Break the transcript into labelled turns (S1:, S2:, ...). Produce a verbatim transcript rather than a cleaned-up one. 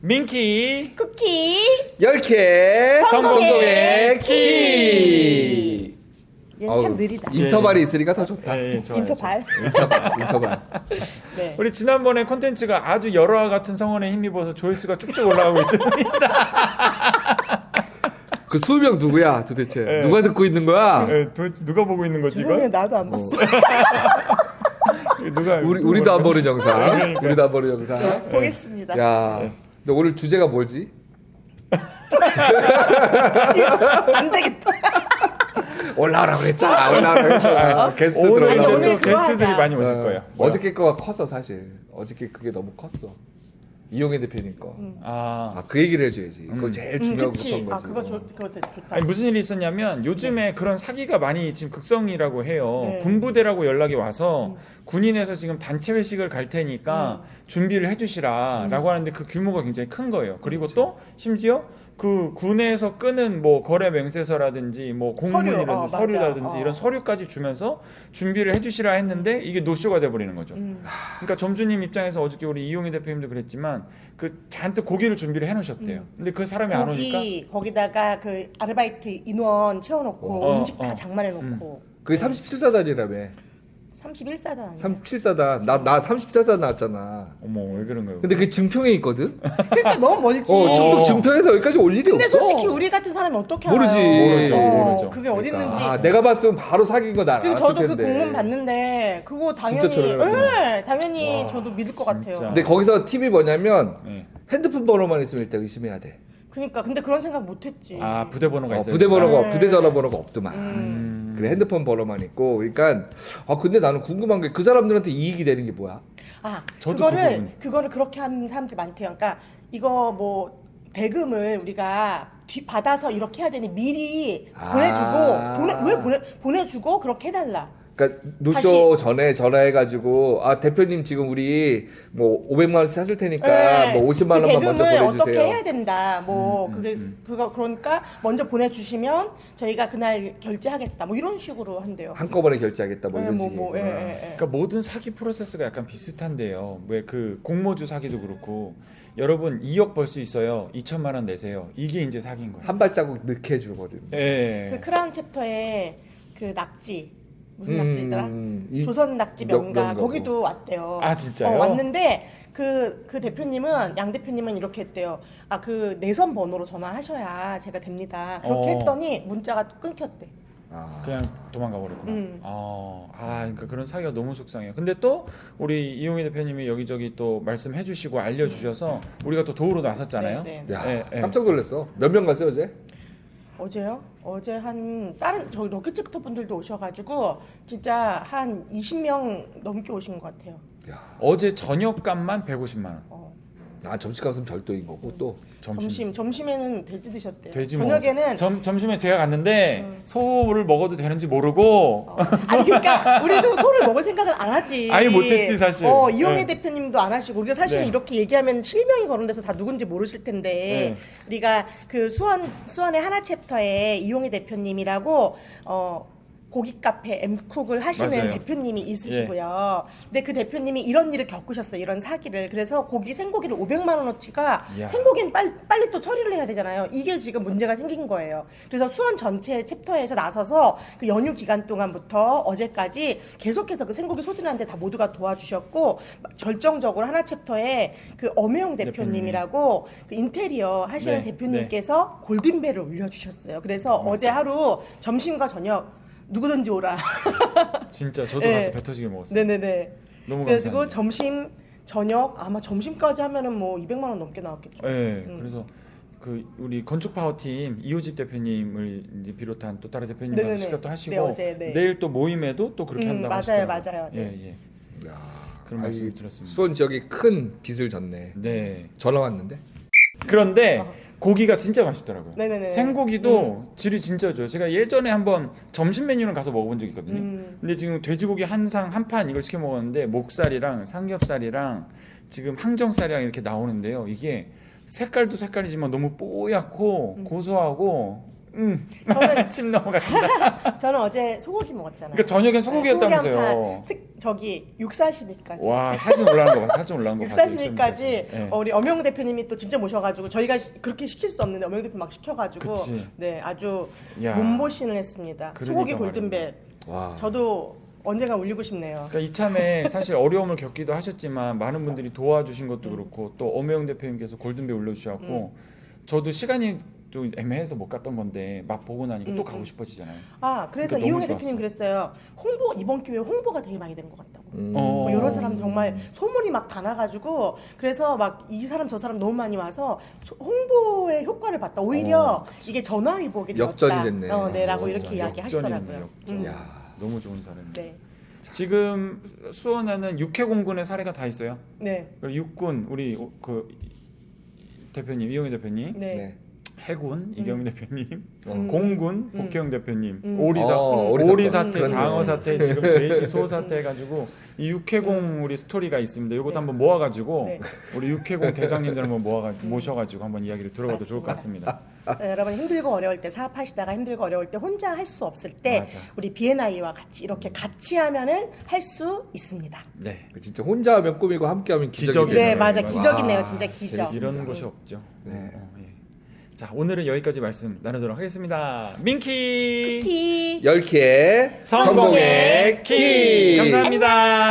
S1: 민키
S2: 쿠키
S3: 열 개
S2: 성공의
S3: 성공의
S2: 키.
S3: 키.
S2: 얘는 참
S3: 어우,
S2: 느리다.
S3: 인터벌이 있으니까 더 좋다.
S1: 예, 예, 좋아요.
S2: 인터발.
S3: 인터벌. 인터벌.
S2: 네.
S1: 우리 지난번에 콘텐츠가 아주 열화와 같은 성원에 힘입어서 조회수가 쭉쭉 올라가고 있습니다.
S3: 그 수명 누구야 도대체?
S1: 예.
S3: 누가 듣고 있는 거야?
S1: 예, 도대체 누가 보고 있는 거지
S2: 죄송해요,
S1: 이거?
S2: 나도 안 봤어.
S1: 누가
S3: 우리
S1: 누가
S3: 우리도 안
S1: 보는
S3: 보는 영상.
S1: 그러니까.
S3: 우리도 안 보는 영상.
S2: 보겠습니다.
S3: 야, 너 오늘 주제가 뭘지?
S2: 안 되겠다.
S3: 올라오라 그랬잖아. 올라오라 그랬잖아. 게스트
S1: 오늘 이제
S3: 들어오라고.
S2: 오늘
S1: 또
S2: 그거
S1: 게스트들이
S2: 하자.
S1: 많이 오실
S3: 어,
S1: 거예요.
S3: 어저께 거가 컸어 사실. 어저께 그게 너무 컸어. 이용혜 대표님 거.
S1: 아,
S3: 아, 그 얘기를 해줘야지. 그거
S1: 음.
S3: 제일
S2: 음,
S3: 중요한
S2: 그치.
S3: 것인
S2: 아,
S3: 거지.
S2: 그거 좋, 그거 되게 좋다.
S1: 아니, 무슨 일이 있었냐면 요즘에 그런 사기가 많이 지금 극성이라고 해요.
S2: 네.
S1: 군부대라고 연락이 와서 군인에서 지금 단체 회식을 갈 테니까 준비를 해주시라라고 하는데 그 규모가 굉장히 큰 거예요. 그리고 또 심지어 그 군에서 끄는 뭐 거래 명세서라든지 뭐 공문이라든지
S2: 서류, 어, 맞아.
S1: 서류라든지
S2: 어.
S1: 이런 서류까지 주면서 준비를 해주시라 했는데 이게 노쇼가 돼버리는 거죠.
S2: 음.
S1: 그러니까 점주님 입장에서 어저께 우리 이용희 대표님도 그랬지만 그 잔뜩 고기를 준비를 해놓으셨대요. 근데 그 사람이 안 오니까
S2: 거기 거기다가 그 아르바이트 인원 채워놓고
S1: 어,
S2: 음식 다
S1: 어.
S2: 장만해놓고
S3: 그게 삼십칠 사단이라며.
S2: 삼십일 사단 아니야?
S3: 삼십칠 사단. 나, 나 삼십사 사단 나왔잖아.
S1: 어머 왜 그런 거예요?
S3: 근데 그게 증평에 있거든?
S2: 그러니까 너무 멀지.
S3: 어, 충북 증평에서 여기까지 올 일이
S2: 근데
S3: 없어.
S2: 솔직히 우리 같은 사람이 어떻게
S3: 모르지.
S2: 알아요?
S1: 모르죠,
S2: 어,
S1: 모르죠.
S2: 그게 어디
S3: 그러니까,
S2: 있는지.
S3: 아, 내가 봤으면 바로 사귄 거 난
S2: 그리고
S3: 알았을
S2: 저도 그
S3: 텐데.
S2: 공문 봤는데 그거
S3: 진짜
S2: 당연히
S3: 저렴하구나.
S2: 예, 당연히
S1: 와,
S2: 저도 믿을 것
S1: 진짜.
S2: 같아요.
S3: 근데 거기서 팁이 뭐냐면
S1: 네.
S3: 핸드폰 번호만 있으면 일단 의심해야 돼.
S2: 그러니까 근데 그런 생각 못했지.
S1: 아 부대 번호가
S3: 어,
S1: 있어요.
S3: 부대 번호가
S2: 네.
S3: 부대 전화번호가 없더만.
S2: 음.
S3: 그래 핸드폰 번호만 있고. 그러니까 아 근데 나는 궁금한 게 그 사람들한테 이익이 되는 게 뭐야?
S2: 아
S1: 저도 그
S2: 그거를
S1: 부분.
S2: 그거를 그렇게 하는 사람들 많대요. 그러니까 이거 뭐 대금을 우리가 뒤 받아서 이렇게 해야 되니 미리
S3: 아.
S2: 보내주고 보내 왜 보내 보내주고 그렇게 해달라.
S3: 그러니까 노쇼 전에 전화해가지고 아 대표님 지금 우리 뭐 오백만 원씩 사줄 테니까
S2: 네.
S3: 뭐 오십만
S2: 그
S3: 원만 먼저
S2: 대금을
S3: 보내주세요.
S2: 어떻게 해야 된다. 뭐
S1: 음,
S2: 그게
S1: 음.
S2: 그거 그러니까 먼저 보내주시면 저희가 그날 결제하겠다. 뭐 이런 식으로 한대요.
S3: 한꺼번에 결제하겠다 뭐
S2: 네,
S3: 이런
S2: 뭐,
S3: 식이구나.
S2: 뭐, 예, 예, 예.
S1: 그러니까 모든 사기 프로세스가 약간 비슷한데요. 왜 그 공모주 사기도 그렇고 여러분 이억 벌 수 있어요. 이천만 원 내세요. 이게 이제 사기인 거예요.
S3: 한 발자국 늦게 해줘버리는.
S1: 예.
S2: 그 크라운 챕터에 그 낙지 무슨
S3: 음,
S2: 낙지더라?
S3: 이-
S2: 조선 낙지
S3: 명-
S2: 명가
S3: 명가고.
S2: 거기도 왔대요.
S1: 아, 진짜요?
S2: 어, 왔는데 그 그 대표님은 양 대표님은 이렇게 했대요. 아 그 내선 번호로 전화하셔야 제가 됩니다. 그렇게
S1: 어.
S2: 했더니 문자가 끊겼대.
S3: 아.
S1: 그냥 도망가 버렸구나.
S2: 음.
S1: 아, 아, 그러니까 그런 사기가 너무 속상해요. 근데 또 우리 이용희 대표님이 여기저기 또 말씀해 주시고 알려 주셔서 우리가 또 도우러 나섰잖아요.
S2: 네, 네.
S3: 야
S1: 예, 예.
S3: 깜짝 놀랐어. 몇 명 갔어요 어제?
S2: 어제요? 어제 한 다른 저기 로켓챕터 분들도 오셔가지고 진짜 한 이십 명 넘게 오신 것 같아요.
S3: 야,
S1: 어제 저녁값만 백오십만 원.
S2: 어.
S3: 아 점심값은 별도인 거고 또
S1: 점심.
S2: 점심 점심에는 돼지 드셨대요.
S1: 돼지
S2: 저녁에는
S1: 먹었어요. 점, 점심에 제가 갔는데
S2: 음.
S1: 소를 먹어도 되는지 모르고
S2: 어. 아니 그러니까 우리도 소를 먹을 생각은 안 하지.
S1: 아예 못했지, 사실.
S2: 어 이용혜
S1: 네.
S2: 대표님도 안 하시고 우리가 사실
S1: 네.
S2: 이렇게 얘기하면 실명이 거론돼서 다 누군지 모르실 텐데
S1: 네.
S2: 우리가 그 수원 수원의 하나 챕터에 이용혜 대표님이라고 어. 고기 카페 엠쿡을 하시는
S1: 맞아요.
S2: 대표님이 있으시고요. 근데 그 대표님이 이런 일을 겪으셨어요. 이런 사기를. 그래서 고기 생고기를 오백만 원어치가
S1: 이야.
S2: 생고기는 빨리, 빨리 또 처리를 해야 되잖아요. 이게 지금 문제가 생긴 거예요. 그래서 수원 전체 챕터에서 나서서 그 연휴 기간 동안부터 어제까지 계속해서 그 생고기 소진하는데 다 모두가 도와주셨고 결정적으로 하나 챕터에 그 엄혜영 대표님이라고 그 인테리어 하시는
S1: 네,
S2: 대표님께서 골든벨을 올려주셨어요. 그래서 어제 하루 점심과 저녁 누구든지 오라.
S1: 진짜 저도
S2: 네.
S1: 가서 배 터지게 먹었어요.
S2: 네네네.
S1: 너무
S2: 그래가지고
S1: 감사합니다.
S2: 점심 저녁 아마 점심까지 하면은 뭐 이백만 원 넘게 나왔겠죠.
S1: 네,
S2: 음.
S1: 그래서 그 우리 건축 파워팀 이호집 대표님을 이제 비롯한 또 다른 대표님 가서
S2: 네네네.
S1: 식사 또 하시고
S2: 네, 어제, 네.
S1: 내일 또 모임에도 또 그렇게
S2: 음,
S1: 한다고
S2: 맞아요,
S1: 하시더라고요.
S2: 맞아요. 네.
S1: 예, 예.
S3: 야,
S1: 그런
S3: 아니,
S1: 말씀을 들었습니다.
S3: 수원 지역이 큰 빚을 졌네.
S1: 네.
S3: 전화 왔는데.
S1: 그런데
S2: 어.
S1: 고기가 진짜 맛있더라고요.
S2: 네네네.
S1: 생고기도 질이 진짜 좋아요. 제가 예전에 한번 점심 메뉴를 가서 먹어본 적이 있거든요.
S2: 음.
S1: 근데 지금 돼지고기 한 상 한 판 이걸 시켜 먹었는데 목살이랑 삼겹살이랑 지금 항정살이랑 이렇게 나오는데요. 이게 색깔도 색깔이지만 너무 뽀얗고
S2: 음.
S1: 고소하고 음.
S2: 저는
S1: 침 넘어간다.
S2: 저는 어제 소고기 먹었잖아요.
S1: 그러니까 저녁엔
S2: 네, 소고기 한
S1: 소고기였다면서요.
S2: 판. 특, 저기 육사시미까지.
S1: 와 사진 올라온 거 봐. 사진 올라온 거 봐.
S2: 육사시미까지
S1: 네.
S2: 어, 우리 엄영 대표님이 또 진짜 모셔가지고 저희가 시, 그렇게 시킬 수 없는데 엄영 대표 막 시켜가지고
S1: 그치.
S2: 네 아주
S1: 야.
S2: 몸보신을 했습니다.
S1: 그러니까
S2: 소고기
S1: 말이야.
S2: 골든벨.
S3: 와.
S2: 저도 언젠가 울리고 싶네요.
S1: 그러니까 이참에 사실 어려움을 겪기도 하셨지만 많은 분들이 도와주신 것도 그렇고 또 엄혜영 대표님께서 골든벨 올려주셨고 저도 시간이 좀 애매해서 못 갔던 건데 맛 보고 나니까 또 가고 싶어지잖아요.
S2: 아 그래서
S1: 그러니까
S2: 이용혜
S1: 너무
S2: 대표님 그랬어요. 홍보 이번 기회에 홍보가 되게 많이 되는 것 같다고.
S3: 음.
S1: 어.
S2: 뭐 여러 사람 정말 소문이 막 다 나가지고 그래서 막 이 사람 저 사람 너무 많이 와서 소- 홍보의 효과를 봤다. 오히려 이게 전화위복이 되었다.
S3: 역전이 됐네.
S2: 어, 네라고
S1: 아,
S2: 이렇게
S1: 진짜
S2: 이야기하시더라고요.
S1: 역전이네, 역전.
S2: 음.
S3: 야.
S1: 너무 좋은 사람.
S2: 네,
S1: 지금 수원에는 육해공군의 사례가 다 있어요.
S2: 네,
S1: 그리고 육군 우리 그 대표님 이용희 대표님,
S2: 네.
S3: 네.
S1: 해군 이경민 대표님,
S2: 음.
S1: 공군
S2: 음.
S1: 복혜영 대표님,
S2: 음.
S1: 오리사
S3: 어,
S1: 오리,
S3: 오리
S1: 사태,
S3: 사건.
S1: 장어
S3: 그렇네.
S1: 사태, 지금 돼지 소 사태 해가지고 이 육해공 우리 스토리가 있습니다. 이것도
S2: 네.
S1: 한번 모아가지고
S2: 네.
S1: 우리 육해공 대장님들 한번 모아가 모셔가지고 한번 이야기를 들어봐도 좋을 것 같습니다.
S2: 네, 여러분 힘들고 어려울 때 사업하시다가 힘들고 어려울 때 혼자 할 수 없을 때
S1: 맞아.
S2: 우리 비엔아이와 같이 이렇게 같이 하면은 할 수 있습니다.
S1: 네,
S3: 그 진짜 혼자 하면 꿈이고 함께하면 기적이네요.
S1: 기적이네요.
S2: 네, 맞아,
S1: 맞아.
S2: 기적이네요, 진짜 기적.
S3: 재밌습니다.
S1: 이런 곳이 없죠.
S3: 네.
S1: 어, 어, 예. 자, 오늘은 여기까지 말씀 나누도록 하겠습니다. 민키
S2: 키.
S3: 열 키의
S1: 성공의 키 감사합니다.